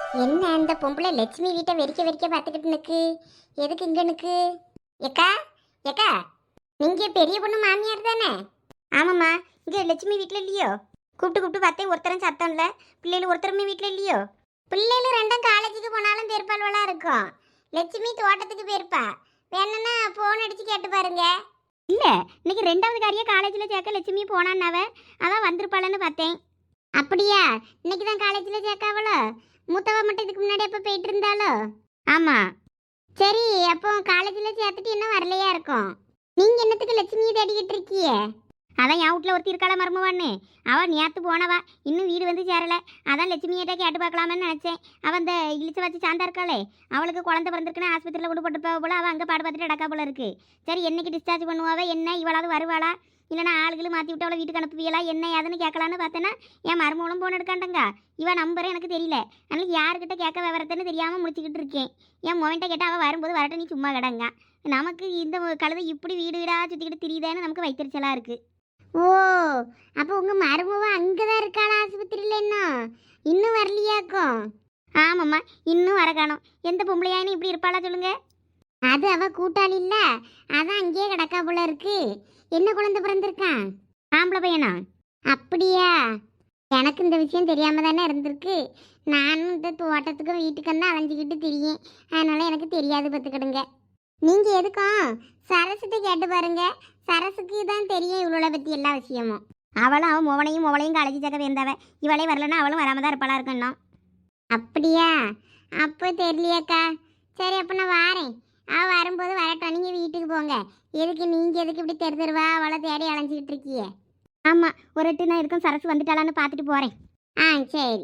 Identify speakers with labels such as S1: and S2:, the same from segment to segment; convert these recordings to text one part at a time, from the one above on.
S1: என்ன அந்த பொம்பளை லட்சுமி வீட்டை வெறிக்க வெறிக்க பார்த்துக்கிட்டு நிற்கு? எதுக்கு இங்க நிற்கு? ஏக்கா, ஏக்கா, நீங்க பெரிய பொண்ணு மாமியார் தானே? ஆமாம்மா. இங்க லட்சுமி வீட்டில் இல்லையோ? கூப்பிட்டு கூப்பிட்டு பார்த்தேன், ஒருத்தரும் சத்தம் இல்லை. பிள்ளைகள் ஒருத்தருமே வீட்டில் இல்லையோ? பிள்ளைகள் ரெண்டும் காலேஜுக்கு போனாலும் பேர்பால்வெல்லாம் இருக்கும். லட்சுமி தோட்டத்துக்கு போயிருப்பா. வேணும்னா ஃபோன் அடிச்சு கேட்டு பாருங்க. இல்லை, இன்னைக்கு ரெண்டாவது காரியா காலேஜில் சேர்க்க லட்சுமி போனான்னாவ. அதான் வந்திருப்பாளன்னு பார்த்தேன். அப்படியா? இன்னைக்கு தான் காலேஜில் சேர்க்காவளோ? மூத்தவ மட்டும் இதுக்கு முன்னாடி எப்போ போயிட்டு இருந்தாலோ? ஆமாம். சரி, அப்போ காலேஜில் சேர்த்துட்டு இன்னும் வரலையா இருக்கும். நீங்கள் என்னத்துக்கு லட்சுமியை தேடிக்கிட்டு இருக்கியே? அதான் என் வீட்டில் ஒருத்தி இருக்காள மருமவான்னு. அவள் நேற்று போனவா, இன்னும் வீடு வந்து சேரலை. அதான் லட்சுமியிட்ட கேட்டு பார்க்கலாமன்னு நினச்சேன். அவள் அந்த இழிச்சு வச்சு சாந்தா இருக்காளே, அவளுக்கு குழந்தை பிறந்திருக்குன்னு ஆஸ்பத்திரியில் கொண்டு போட்டு போக போல. அவள் அங்கே பாடு பார்த்துட்டு அடக்கா போல இருக்கு. சரி, என்னைக்கு டிஸ்சார்ஜ் பண்ணுவாவே என்ன, இவளாவது வருவாளா? இல்லைனா ஆளுகளும் மாற்றி விட்டு அவளை வீட்டுக்கு அனுப்புவீங்களா என்ன ஏதுன்னு கேட்கலான்னு பார்த்தேன்னா என் மருமகளும் போன் எடுக்காண்டங்க. இவன் நம்பரை எனக்கு தெரியல. அதனால யாருக்கிட்ட கேட்க விவரத்துன்னு தெரியாமல் முடிச்சுக்கிட்டு இருக்கேன். என் மொவன்ட்ட கேட்டால் அவள் வரும்போது வரட்ட நீ சும்மா கிடங்க. நமக்கு இந்த கழுதை இப்படி வீடு வீடாக சுற்றிக்கிட்டு திரியுதேன்னு நமக்கு வைத்தறிச்சலாக இருக்குது. ஓ, அப்போ உங்கள் மருமவ அங்கே தான் இருக்காளா ஆஸ்பத்திரியில்? இன்னும் வரலையாக்கும்? ஆமாம்மா, இன்னும் வர காணோம். எந்த பொம்பளையானு இப்படி இருப்பாளா சொல்லுங்க? அது அவள் கூட்டாளி இல்லை, அதான் அங்கேயே கிடக்கா போல இருக்கு. என்ன குழந்தை பிறந்திருக்கான்? ஆம்பளை பையனா? அப்படியா? எனக்கு இந்த விஷயம் தெரியாம தானே இருந்திருக்கு. நானும் இந்த தோட்டத்துக்கும் வீட்டுக்கும் தான் அலைஞ்சிக்கிட்டு திரியும். அதனால எனக்கு தெரியாது பார்த்துக்கிடுங்க. நீங்கள் எதுக்கும் சரசுகிட்ட கேட்டு பாருங்க. சரசுக்கு தான் தெரியும் இவளோட பற்றி எல்லா விஷயமும். அவளும் அவன் மோவனையும் காலேஜ் சேர்க்க வேந்தவ. இவளே வரலன்னா அவளும் வராம தான் இருப்பாளா இருக்கணும். அப்படியா? அப்போ தெரியலையாக்கா. சரி, அப்போ நான் வாரேன். அவள் வரும்போது வரட்டும், நீங்கள் வீட்டுக்கு போங்க. எதுக்கு நீங்கள் எதுக்கு இப்படி தெருவா அவளை தேடி அலைஞ்சிக்கிட்டு இருக்கியே? ஆமாம், ஒரு எட்டு நான் இருக்கும் சரசு வந்துட்டாளான்னு பார்த்துட்டு போகிறேன். ஆ, சரி.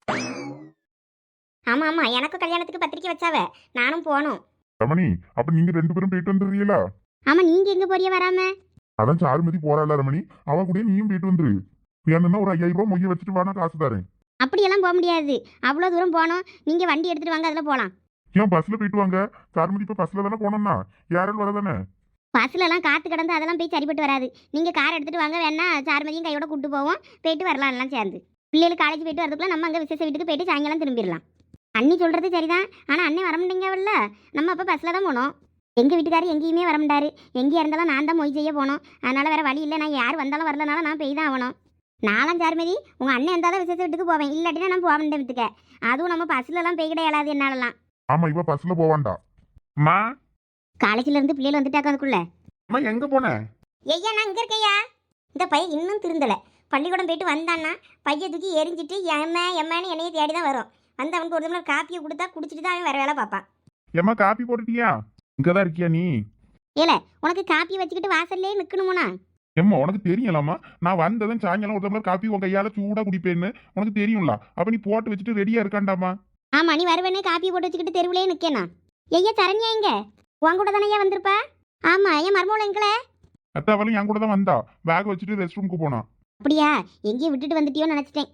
S1: ஆமாம் ஆமாம், எனக்கும் கல்யாணத்துக்கு பத்திரிக்கை வச்சாவ, நானும் போகணும்.
S2: ரமணி, அப்ப நீங்க ரெண்டு பேரும் போயிட்டு வந்துடுறீங்களா?
S1: ஆமாம், நீங்கள் எங்கே போறிய வராம?
S2: அதான் சாருமதி போறாள் ரமணி, அவ கூட நீயும் போயிட்டு வந்துரு. வேணும்னா ஒரு 5000 ரூபாய் மொய்ய வச்சுட்டு வானா காசு தரேன்.
S1: அப்படியெல்லாம் போக முடியாது, அவ்வளோ தூரம் போனோம். நீங்கள் வண்டி எடுத்துகிட்டு வாங்க, அதில் போகலாம்.
S2: ஏன் பஸ்ல போயிட்டு வாங்க. சாருமதி இப்ப பஸ்ல தானே போனோம்னா யாரும் வரதானே.
S1: பஸ்லலாம் காற்று கிடந்து அதெல்லாம் போய் சரிப்பட்டு வராது. நீங்கள் கார் எடுத்துகிட்டு வாங்க, வேணா சார்மதியும் கையோட கூட்டு போவோம். போயிட்டு வரலாம் எல்லாம் சேர்ந்து. பிள்ளைகள் காலேஜ் போயிட்டு வரதுக்குள்ள நம்ம அங்கே விசேஷ வீட்டுக்கு போயிட்டு சாயங்காலம் திரும்பிடலாம். அண்ணி சொல்கிறது சரிதான், ஆனால் அண்ணே வர முடியங்கல்ல. நம்ம அப்போ பஸ்ஸில் தான் போனோம். எங்கள் வீட்டுக்காரர் எங்கேயுமே வர மாட்டாரு. எங்கேயா இருந்தாலும் நான் தான் மொய் செய்ய போனோம். அதனால் வேறு வழி இல்லை. நான் யார் வந்தாலும் வரலனாலும் நான் போய் தான் ஆகணும். நானும் சார்மதி உங்கள் அண்ணன் இருந்தால் தான் விசேஷ வீட்டுக்கு போவேன். இல்லாட்டினா நான் போக முடியும் வீட்டுக்கு. அதுவும் நம்ம பஸ்லலாம் போய் கிடையாது என்னாலலாம்.
S2: ஆமா, இவ பஸ்ல போவான்டா. அம்மா,
S1: காலேஜில் இருந்து பிள்ளைகள் வந்துட்டாக்க அதுக்குள்ள.
S2: அம்மா எங்க போன?
S1: ஐயா, நான் இங்கே இருக்கையா. இந்த பையன் இன்னும் திருந்தலை. பள்ளிக்கூடம் போயிட்டு வந்தான்னா பைய தூக்கி எரிஞ்சிட்டு எம்மேன்னு என்னையே தேடி தான் வரும். வந்து அவனுக்கு ஒரு தடவை காப்பியை கொடுத்தா குடிச்சிட்டு தான் அவன் வேற வேலை பார்ப்பான்.
S2: ஏம்மா காப்பி போட்டுட்டியா? இங்கதான் இருக்கியா நீ?
S1: ஏல, உனக்கு காப்பி வச்சுக்கிட்டு வாசல்லே நிற்கணுமுனா?
S2: ஏம்மா உனக்கு தெரியலாமா, நான் வந்ததும் சாயங்காலம் ஒரு டம்ளர் காப்பி உன் கையால சூடா குடிப்பேன்னு உனக்கு தெரியும்ல. அப்ப நீ போட்டு வச்சுட்டு ரெடியா இருக்காண்டாமா?
S1: ஆமா, நீ வருவேனே காப்பி போட்டு வச்சுக்கிட்டு தெருவிலே நிற்கேனா? ஐயா சரண்யா எங்க? உன் கூட தானே வந்திருப்பா? ஆமா, என் மருமகளை எங்கள?
S2: அத்தாவளும் என் கூட தான் வந்தா. பேக் வச்சுட்டு ரெஸ்ட் ரூமுக்கு போனா.
S1: அப்படியா? எங்கேயும் விட்டுட்டு வந்துட்டியோன்னு நினைச்சிட்டேன்.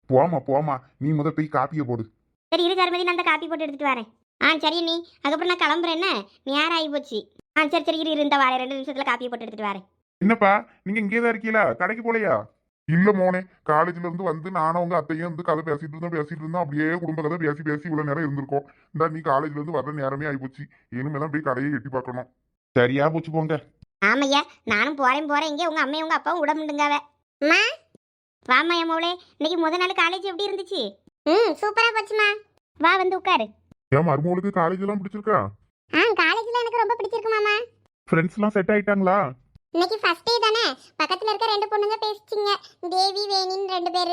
S2: போமா நீ முத போய் காப்பியை போடு.
S1: சரி இரு சார்மதி, நான் அந்த காப்பி போட்டு எடுத்துட்டு வரேன். சரி நீ அதுக்கப்புறம் நான் கிளம்புறேன். என்ன நேரம் ஆகி போச்சு. சரி இரு இந்த வாரேன், 2 நிமிஷத்துல காப்பியை போட்டு எடுத்துட்டு வரேன்.
S2: என்னப்பா நீங்க இங்கேதான் இருக்கீங்களா? கடைக்கு போலையா? இல்ல மோனே, காலேஜ்ல இருந்து வந்து நானும் உங்க அத்தையும் வந்து கதை பேசிட்டு இருந்தோம். அப்படியே குடும்ப கதை பேசி இவ்வளவு நேரம் இருந்திருக்கோம். இந்த நீ காலேஜ்ல இருந்து வர்ற நேரமே ஆயிப்போச்சு. இனிமே தான் போய் கடையை எட்டி பார்க்கணும். சரியா போச்சு போங்க.
S1: ஆமையா, நானும் போறேன். இங்கே உங்க அம்மையும் உங்க அப்பாவும் விட முடியுங்காவ. அம்மா வாமா என் மோளே, இன்னைக்கு முதல் நாள் காலேஜ் எப்படி இருந்துச்சு? சூப்பரா போச்சுமா. வா வந்து உட்காரு.
S2: என் மருமகளுக்கு காலேஜ் எல்லாம் பிடிச்சிருக்கா?
S1: காலேஜ்ல எனக்கு ரொம்ப பிடிச்சிருக்கு மாமா.
S2: ஃப்ரெண்ட்ஸ் எல்லாம் செட் ஆயிட்டாங்களா?
S1: இன்னைக்கு ஃபர்ஸ்ட் டே தானே, பக்கத்துல இருக்க 2 பொண்ணுங்க பேசிச்சிங்க. தேவி வேணின்னு 2 பேரு.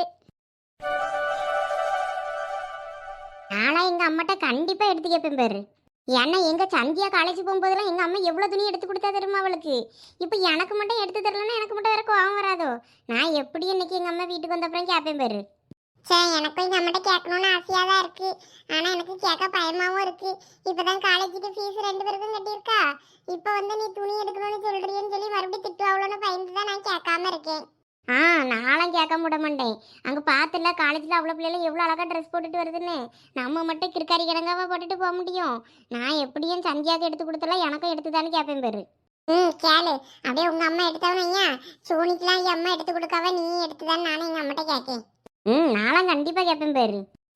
S1: நாளா எங்க அம்மாட்ட கண்டிப்பா எடுத்து கேட்பேன் பேரு. ஏன்னா எங்க சந்தியா காலேஜ் போகும்போதெல்லாம் எங்க அம்மா எவ்வளவு துணி எடுத்து கொடுத்தா தெரியுமா அவளுக்கு. இப்போ எனக்கு மட்டும் எடுத்து தரலன்னா எனக்கு மட்டும் வேற கோவம் வராதோ. நான் எப்படி இன்னைக்கு எங்க அம்மா வீட்டுக்கு வந்த அப்புறம் கேட்பேன் பேரு. சரி, எனக்கும் எங்க அம்மாட்ட கேட்கணும்னு ஆசையா தான் இருக்கு. ஆனா எனக்கு கேட்க பயமாவும் இருக்கு. இப்பதான் காலேஜுக்கு ஃபீஸ் 2 பேருக்கும் கட்டியிருக்கா. இப்போ வந்து நீ துணி எடுக்கணும்னு சொல்றீன்னு சொல்லி மறுபடியும் திட்டுவாங்களோன்னு பயந்து தான் நான் கேட்காம இருக்கேன். நானும் கேட்க விட மாட்டேன். அங்கே பார்த்துல காலேஜில் அவ்வளோ பிள்ளைல எவ்வளோ அழகாக ட்ரெஸ் போட்டுட்டு வருதுன்னு. நம்ம மட்டும் கிற்காரி கிடங்காவா போட்டுட்டு போக முடியும்? நான் எப்படியும் சந்தியாவுக்கு எடுத்து கொடுத்தலாம், எனக்கும் எடுத்துதான்னு கேட்பேன் பேரு. கேளு, அப்படியே உங்க அம்மா எடுத்தவனையா சோனிக்கெல்லாம் என் அம்மா எடுத்து கொடுக்காவ, நீ எடுத்துதான்னு நானும் எங்க அம்மாட்ட கேட்கேன். நானும் கண்டிப்பாக கேட்பேன் பேரு.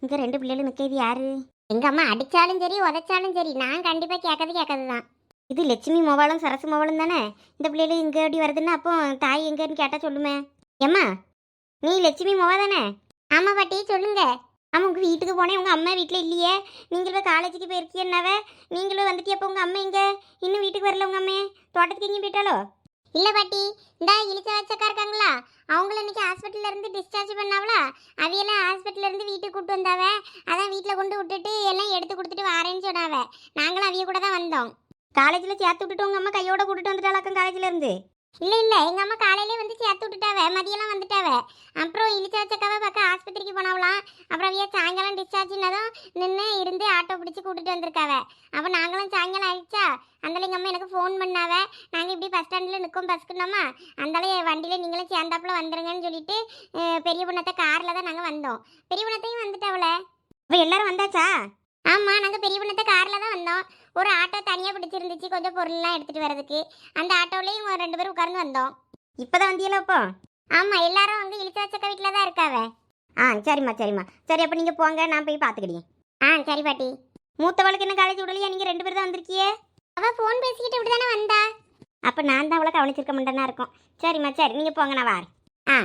S1: இங்க 2 பிள்ளைகளும் நிற்கிறது யாரு? எங்க அம்மா அடிச்சாலும் சரி உதைச்சாலும் சரி நான் கண்டிப்பா கேட்கறது தான். இது லட்சுமி மோபாலும் சரசு மோபாலும் தானே. இந்த பிள்ளைகள் இங்க எப்படி வருதுன்னா அப்போ தாய் எங்கன்னு கேட்டா சொல்லுமே. ஏம்மா நீ லட்சுமி மோவா தானே? ஆமா பாட்டி சொல்லுங்க. ஆமா உங்க வீட்டுக்கு போனேன், உங்க அம்மா வீட்டில் இல்லையே. நீங்களும் காலேஜுக்கு போயிருக்கியன்னாவ. நீங்களும் வந்துட்டியா? அப்போ உங்க அம்மா இங்க இன்னும் வீட்டுக்கு வரல. உங்க அம்மே தோட்டத்துக்கு எங்கேயும் போயிட்டாலோ? இல்ல பாட்டி, இந்த இழிச்ச வச்சக்கா இருக்காங்களா, அவங்கள இன்னைக்கு ஹாஸ்பிட்டல்ல இருந்து டிஸ்சார்ஜ் பண்ணாவளா. அவையெல்லாம் ஹாஸ்பிட்டல்ல இருந்து வீட்டுக்கு கூட்டு வந்தாவ. அதான் வீட்டில் கொண்டு விட்டுட்டு எல்லாம் எடுத்து கொடுத்துட்டு வரேன்னு சொன்னாவ. நாங்களும் அவிய கூட தான் வந்தோம். காலேஜில் சேர்த்து விட்டுட்டு உங்க அம்மா கையோட கூட்டிட்டு வந்துட்டாளாக்கம் காலேஜ்ல இருந்து? இல்ல எங்க அம்மா காலையிலே வந்து சேர்த்து விட்டுட்டாவ, மதியெல்லாம் வந்துட்டாவ. அப்புறம் இழிச்ச வச்சக்காவை பார்க்க ஆஸ்பத்திரிக்கு போனாவலாம். அப்புறம் அவைய சாயங்காலம் டிஸ்சார்ஜ்னதும் நின்று இருந்து ஆட்டோ பிடிச்சி கூட்டிட்டு வந்திருக்காவ. அப்போ நாங்களும் சாயங்காலம் ஆயிடுச்சா, அந்தால எங்கள் அம்மா எனக்கு ஃபோன் பண்ணாவ. நாங்கள் இப்படி பஸ் ஸ்டாண்டில் நிற்கும் பஸ்க்குனோமா, அந்தால வண்டியில் நீங்களும் சேர்ந்தாப்புல வந்துருங்கன்னு சொல்லிட்டு பெரிய பொண்ணத்தை காரில் தான் நாங்கள் வந்தோம். பெரிய பொண்ணத்தையும் வந்துட்டாவல. இப்போ எல்லாரும் வந்தாச்சா? ஆமாம், நாங்கள் பெரிய பொண்ணத்தை காரில் தான் வந்தோம். ஒரு ஆட்டோ தனியாக பிடிச்சிருந்துச்சு கொஞ்சம் பொருள்லாம் எடுத்துகிட்டு வரதுக்கு. அந்த ஆட்டோவிலையும் 2 பேரும் உட்கார்ந்து வந்தோம். இப்போ தான் வந்தியல இப்போ? ஆமாம், எல்லாரும் அங்கே இழிச்சாச்சக்கா வீட்டில் தான் இருக்காவ. சரிம்மா சரிம்மா. சரி அப்போ நீங்கள் போங்க, நான் போய் பார்த்துக்கிட்டேன். சரி பாட்டி. மூத்தவளுக்கு என்ன காலேஜ் விடலையா? நீங்கள் 2 பேர் தான் வந்திருக்கியே. அவள் ஃபோன் பேசிக்கிட்டு இப்படி தானே வந்தா. அப்போ நான் தான் அவளை கவனிச்சிருக்க மாட்டேன்னா இருக்கும். சரிம்மா சரி, நீங்கள் போங்க, நான் வரேன்.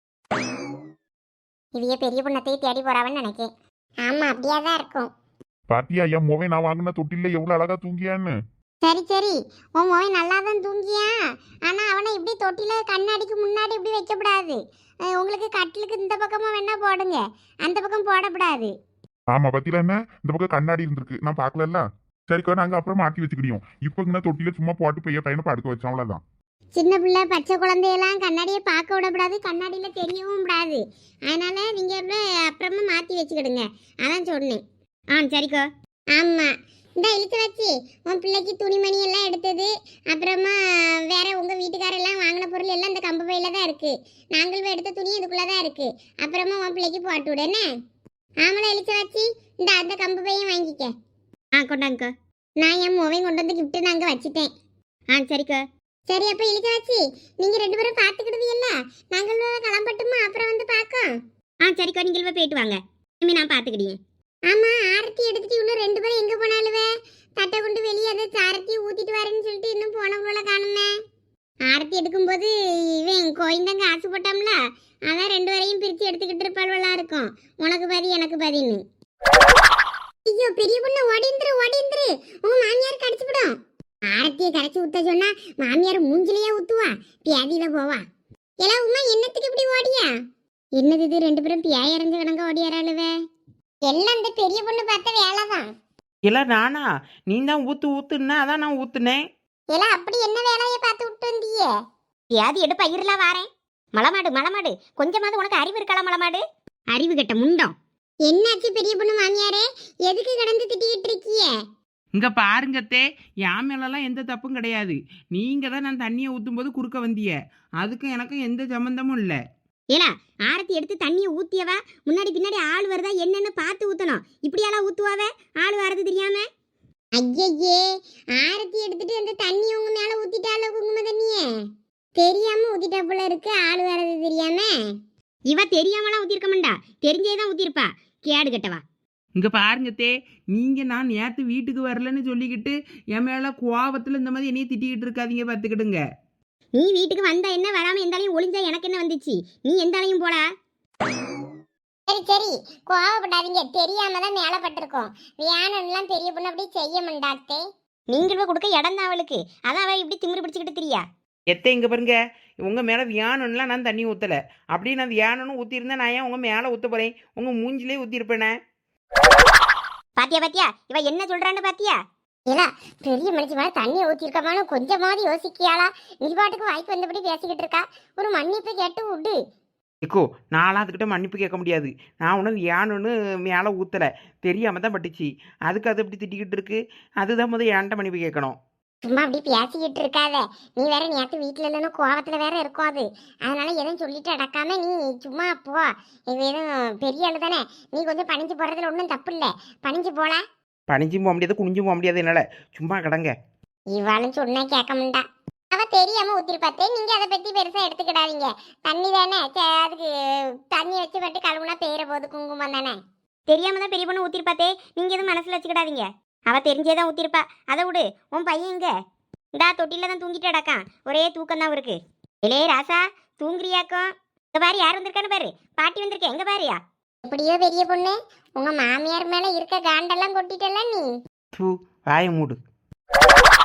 S1: இவைய பெரிய பொண்ணத்தையும் தேடி போறாவன்னு நினைக்கேன். ஆமாம் அப்படியே தான் இருக்கும்.
S2: பாத்தியா என் மோவை நான் வாங்கின தொட்டில எவ்வளவு அழகா தூங்கியான்னு.
S1: சரி உன் மோவன் நல்லா தான் தூங்கியா. ஆனால் அவனை இப்படி தொட்டியில் கண்ணாடிக்கு முன்னாடி இப்படி வைக்கப்படாது. உங்களுக்கு கட்டிலுக்கு இந்த பக்கமாக வேணா போடுங்க, அந்த பக்கம் போடக்கூடாது.
S2: ஆமா பத்தியில என்ன இந்த பக்கம் கண்ணாடி இருந்திருக்கு, நான் பாக்கல. சரிக்கா நாங்க அப்புறம் மாட்டி வச்சுக்கிடியோம். இப்போ இங்க தொட்டில சும்மா போட்டு பையனை படுக்க வச்சோம், அவ்வளவுதான்.
S1: சின்ன பிள்ளை பச்சை குழந்தையெல்லாம் கண்ணாடியை பார்க்க விடக்கூடாது, கண்ணாடியில் தெரியவும் கூடாது. அதனால நீங்கள் அப்புறமா மாற்றி வச்சுக்கிடுங்க, அதான் சொன்னேன். சரிக்கா. ஆமாம், இந்த இழுத்து வச்சு உன் பிள்ளைக்கு துணிமணி எல்லாம் எடுத்தது, அப்புறமா வேற உங்கள் வீட்டுக்காரெல்லாம் வாங்கின பொருள் எல்லாம் இந்த கம்பு பையில தான் இருக்குது. நாங்களும் எடுத்த துணி இதுக்குள்ளே தான் இருக்குது. அப்புறமா உன் பிள்ளைக்கு போட்டு விடு என்ன. ஆமலை இழுத்து வச்சு இந்த அந்த கம்பு பையன் வாங்கிக்க. கொண்டாங்கக்கா. நான் என் மொபைல் கொண்டு வந்து கிஃப்ட்டு நான் அங்கே வச்சுட்டேன். சரிக்கா. சரி அப்போ இழுத்து வச்சு நீங்கள் 2 பேரும் பார்த்துக்கிடுது இல்ல, நாங்கள் கிளம்பட்டுமா அப்புறம் வந்து பார்க்கோம். சரிக்கா, நீங்கள் போயிட்டு வாங்க, இனிமே நான் பார்த்துக்கிட்டேன். ஆமாம், ஆரத்தி எடுத்துட்டு இவ்வளோ 2 பேரும் எங்கே போனாலுவே? தட்டை கொண்டு வெளியே அதை சாரத்தி ஊற்றிட்டு வரேன்னு சொல்லிட்டு இன்னும் போனவங்கள காணுமே. ஆரத்தி எடுக்கும்போது இவன் கோயிந்தாங்க ஆசைப்பட்டோம்ல, அதான் 2 பேரையும் பிரித்து எடுத்துக்கிட்டு இருப்பாள்வெல்லாம் இருக்கும், உனக்கு பாதி எனக்கு பாதின்னு. ஐயோ பெரிய பொண்ணு ஓடிந்துரு உங்க மாமியார் கடிச்சுவிடும். ஆரத்தியை கரைச்சி ஊத்த சொன்னா மாமியார் மூஞ்சிலேயே ஊத்துவா, பியாதியில போவா. எல்லாம் உமா என்னத்துக்கு இப்படி ஓடியா? என்னது இது 2 பேரும் பியாய் இறஞ்ச கணங்க ஓடியாராளுவே. எல்லாம் இந்த பெரிய பொண்ணு பார்த்த வேலைதான்.
S3: எல்லாம் நானா? நீ தான் ஊத்துன்னா அதான் நான் ஊத்துனேன்.
S1: எல்லாம் அப்படி என்ன வேலையை பார்த்து விட்டு வந்தியே? பியாதி எடு பயிரெல்லாம் வாரேன். மலமாடு கொஞ்சமாவது உனக்கு அறிவு இருக்கலாம் மலமாடு? அறிவு கெட்ட முண்டம். என்னாச்சு பெரிய பொண்ணு மாமியாரே, எதுக்கு கடந்து திட்டிக்கிட்டு இருக்கிய?
S3: இங்க பாருங்கத்தே, என் மேலெல்லாம் எந்த தப்பும் கிடையாது. நீங்க தான் நான் தண்ணியை ஊற்றும் போது குறுக்க வந்திய, அதுக்கும் எனக்கும் எந்த சம்பந்தமும் இல்லை.
S1: ஏலா ஆரத்தி எடுத்து தண்ணியை ஊத்தியவா, முன்னாடி பின்னாடி ஆள் வருதா என்னன்னு பார்த்து ஊத்தணும். இப்படியெல்லாம் ஊத்துவாவே ஆள் வரது தெரியாம? ஐயே, ஆரத்தி எடுத்துட்டு அந்த தண்ணி உங்க மேல ஊத்திட்டால குங்கும தண்ணியே, தெரியாம ஊத்திட்டா போல இருக்கு, ஆள் வரது தெரியாம. இவ தெரியாமலாம் ஊத்திருக்க மாட்டா, தெரிஞ்சேதான் ஊத்திருப்பா, கேடு கட்டவா.
S3: இங்க பாருங்கத்தே, நீங்க நான் நேற்று வீட்டுக்கு வரலன்னு சொல்லிக்கிட்டு என் மேல கோவத்துல இந்த மாதிரி என்னைய திட்டிக்கிட்டு இருக்காதீங்க, பார்த்துக்கிடுங்க.
S1: நீ வீட்டுக்கு வந்தா என்ன, வராம எந்தாலையும் ஒளிஞ்சா எனக்கு என்ன வந்துச்சு? நீ எந்தாலையும் போடா. சரி கோவப்படாதீங்க, தெரியாம தான் மேல பட்டிருக்கோம். வியானெல்லாம் பெரிய பொண்ணு அப்படி செய்ய மாட்டாத்தே. நீங்களும் கொடுக்க இடம் தான் அவளுக்கு, அதான் அவ இப்படி திமிரு பிடிச்சிக்கிட்டு திரியா.
S3: எத்தை இங்க பாருங்க, உங்க மேல வியானம்லாம் நான் தண்ணி ஊத்தல. அப்படி நான் வியானம்னு ஊத்திருந்தா நான் ஏன் உங்க மேல ஊத்த போறேன்? உங்க மூஞ்சிலே ஊத்திருப்பேனே.
S1: பாத்தியா இவ என்ன சொல்றான்னு பாத்தியா? இல்ல பெரிய மனுஷி மேல தண்ணியை ஊத்திருக்கமான கொஞ்சமாவது யோசிக்கியாளா? நீ பாட்டுக்கு வாய்ப்பு வந்தபடி பேசிக்கிட்டு இருக்கா, ஒரு மன்னிப்பு கேட்டு விடு.
S3: இக்கோ நான்லாம் அதுக்கிட்ட மன்னிப்பு கேட்க முடியாது. நான் ஒன்றும் ஏன்னு மேலே ஊற்றலை, தெரியாமல் தான் பட்டுச்சு. அதுக்கு அது எப்படி திட்டிக்கிட்டு இருக்கு? அதுதான் முதல் ஏன்ட்ட மன்னிப்பு கேட்கணும்.
S1: சும்மா அப்படி பேசிக்கிட்டு இருக்காத. நீ வேற நேற்று வீட்டில் இல்லைன்னு கோவத்துல வேற இருக்கும் அது, அதனால எதுவும் சொல்லிட்டு அடக்காம நீ சும்மா போ. இது எதுவும் பெரிய ஆளு தானே, நீ கொஞ்சம் பணிஞ்சு போறதுல ஒன்றும் தப்பு இல்லை, பணிஞ்சு போல.
S3: பணிஞ்சும் போக முடியாது, குனிஞ்சும் போக முடியாது என்னால், சும்மா கிடங்க.
S1: இவாளும் சொன்னா கேட்க மாட்டா. அவ தெரியாம ஊத்திருப்பாத்தே, நீங்க அதை பத்தி பெருசா எடுத்துக்கிடாதீங்க. தண்ணி தானே, அதுக்கு தண்ணி வச்சு பட்டு கழுவுனா பெயர போது குங்குமம் தானே. தெரியாம தான் பெரிய பொண்ணு ஊத்திருப்பாத்தே, நீங்க எதுவும் மனசுல வச்சுக்கிடாதீங்க. அவ தெரிஞ்சே தான் ஊத்திருப்பா. அதை விடு. உன் பையன் எங்க? இந்தா தொட்டில தான் தூங்கிட்டு அடக்கான். ஒரே தூக்கம் தான் இருக்கு. இளைய ராசா, தூங்குறியாக்கும்? இங்க பாரு யார் வந்திருக்கான்னு பாரு. பாட்டி வந்திருக்கேன், எங்க பாருயா? எப்படியோ பெரிய பொண்ணு, உங்க மாமியார் மேல இருக்க காண்டெல்லாம் கொட்டிட்டல நீ.
S3: தூ வாயை மூடு.